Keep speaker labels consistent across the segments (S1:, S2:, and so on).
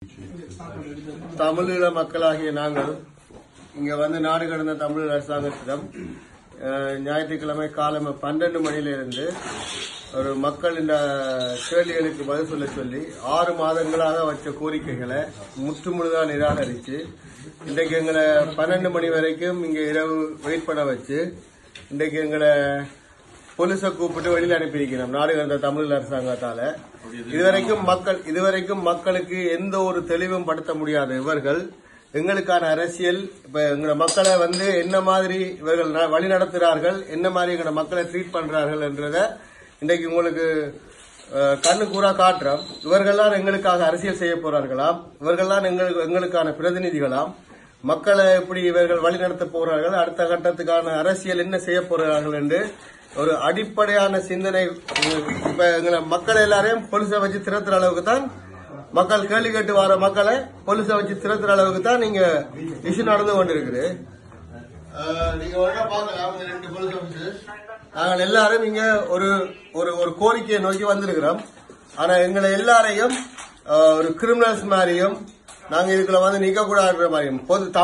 S1: தமிழீழ மக்களாகிய நாங்கள் இங்க வந்து நாடு கடந்த தமிழ் அரசாங்கத்திடம் ஞாயிற்றுக்கிழமை காலம் 12 மணியிலிருந்து ஒரு மக்கள் இந்த கேள்விகளுக்கு பதில் சொல்ல சொல்லி 6 மாதங்களாக வச்ச கோரிக்கைகளை முற்றுமுழுதாக நிராகரித்து இன்றைக்கு எங்களை 12 மணி வரைக்கும் இங்க இரவு வெயிட் பண்ண வச்சு இன்றைக்கு எங்களை போலீஸை கூப்பிட்டு வெளியில் அனுப்பியிருக்கிறோம் நாடு கடந்த தமிழ் அரசாங்கத்தால. இதுவரைக்கும் மக்களுக்கு எந்த ஒரு தெளிவும் படுத்த முடியாத இவர்கள் எங்களுக்கான அரசியல் இப்ப எங்க மக்களை வந்து என்ன மாதிரி இவர்கள் வழி நடத்துகிறார்கள், என்ன மாதிரி எங்க மக்களை ட்ரீட் பண்றார்கள் என்றத இன்றைக்கு உங்களுக்கு கண்ணு கூறா காட்டுறோம். இவர்கள்லாம் எங்களுக்காக அரசியல் செய்ய போறார்களாம், இவர்கள்லாம் எங்களுக்கான பிரதிநிதிகளாம். மக்களை எப்படி இவர்கள் வழி நடத்த போறார்கள், அடுத்த கட்டத்துக்கான அரசியல் என்ன செய்ய போறார்கள் என்று ஒரு அடிப்படையான சிந்தனை இப்ப எங்களை மக்கள் எல்லாரையும் போலீஸை வச்சு திரத்துற அளவுக்கு தான் மக்கள் கேள்வி கேட்டு வர மக்களை போலீஸை வச்சு திரத்துற அளவுக்கு தான் நீங்க இஷ்யூ நடந்து கொண்டிருக்குது. நீங்க பாக்கலாம் 2 போலீஸ் ஆபீசர்ஸ் நாங்கள் எல்லாரும் இங்க ஒரு கோரிக்கையை நோக்கி வந்திருக்கிறோம். ஆனா எங்களை எல்லாரையும் ஒரு கிரிமினல்ஸ் மாதிரியும் நாங்க இதுக்குள்ள வந்து நிக்க கூடாதுன்ற மாதிரியும்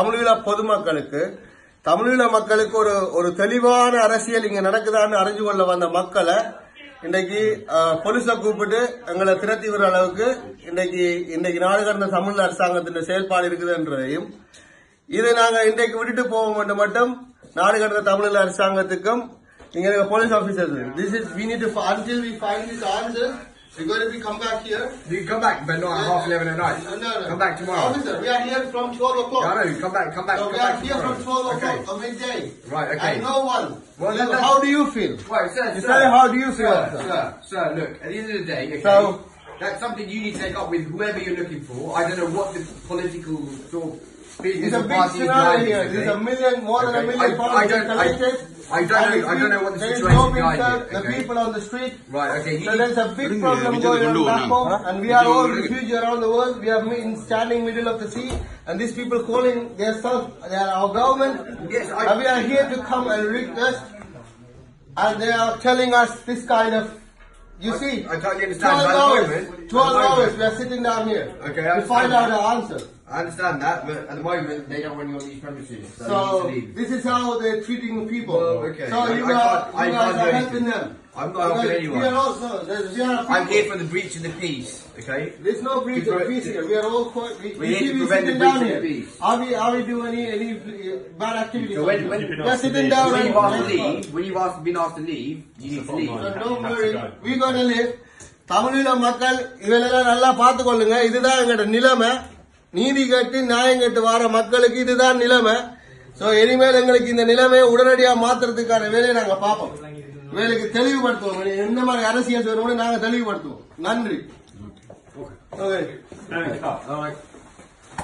S1: தமிழீழ மக்களுக்கு ஒரு தெளிவான அரசியல் இங்க நடக்குதான்னு அறிஞ்சு கொள்ள வந்த மக்களை இன்றைக்கு போலீஸை கூப்பிட்டு எங்களை திரட்டி வர அளவுக்கு இன்றைக்கு நாடு கடந்த தமிழ் அரசாங்கத்தின் செயல்பாடு இருக்குதுன்றதையும் இதை நாங்க இன்றைக்கு விட்டுட்டு போவோம் மட்டும் நாடு கடந்த தமிழ் அரசாங்கத்துக்கும் இங்க police officers we need to until we find this answer. We're going to be come back here.
S2: You can come back, but not at 11:30 at night.
S1: No.
S2: Come back tomorrow.
S1: Officer, we are here from 12 o'clock.
S2: Yeah, I know. Come back.
S1: So
S2: come
S1: we
S2: back
S1: are here from 12 o'clock
S2: okay.
S1: of midday.
S2: Right, okay.
S1: And no one.
S2: Well,
S1: How do you feel?
S2: Right, sir.
S1: How do you feel?
S2: Sir, look, at the end of the day, okay,
S1: so,
S2: that's something you need to take up with whoever you're looking for. I don't know what the political sort of business
S1: it's a
S2: or
S1: big
S2: party
S1: scenario
S2: is
S1: here. There's more than a million parties collected.
S2: I don't know what the situation is behind it.
S1: The people on the street.
S2: Right, okay.
S1: So there's a big problem going on back home, and we are all refugees around the world. We are standing middle of the sea, and these people calling themselves, they are our government.
S2: Yes,
S1: and we are here to come and request, and they are telling us this kind of. You see,
S2: I totally understand.
S1: 12 hours we are sitting down here to find out the answer.
S2: I understand that, but at the moment they don't want you on these premises.
S1: So this is how they're treating people.
S2: Well, okay.
S1: So you guys are helping them.
S2: I'm not helping anyone.
S1: We are also,
S2: I'm here for the breach of the peace. Okay.
S1: There's no breach of peace here. We are all
S2: we're here to prevent the breach of the peace.
S1: Are we doing any bad activities?
S2: So when
S1: we're sitting down.
S2: When you've asked to leave, when you've been asked to leave, you need to leave.
S1: So don't worry. We're gonna leave. தமிழீழ மக்கள் இவெல்லாம் நல்லா பார்த்துக்கொள்ளுங்க. இதுதான் எங்களோட நிலைமை. நீதி கேட்டு நியாயம் கேட்டு வர மக்களுக்கு இதுதான் நிலைமை. சோ இனிமேல் எங்களுக்கு இந்த நிலைமையை உடனடியாக மாத்துறதுக்கான வேலையை நாங்க பார்ப்போம். வேலைக்கு தெளிவுபடுத்துவோம். என்ன மாதிரி அரசியல் செய்யணும்னு நாங்க தெளிவுபடுத்துவோம். நன்றி. ஓகே.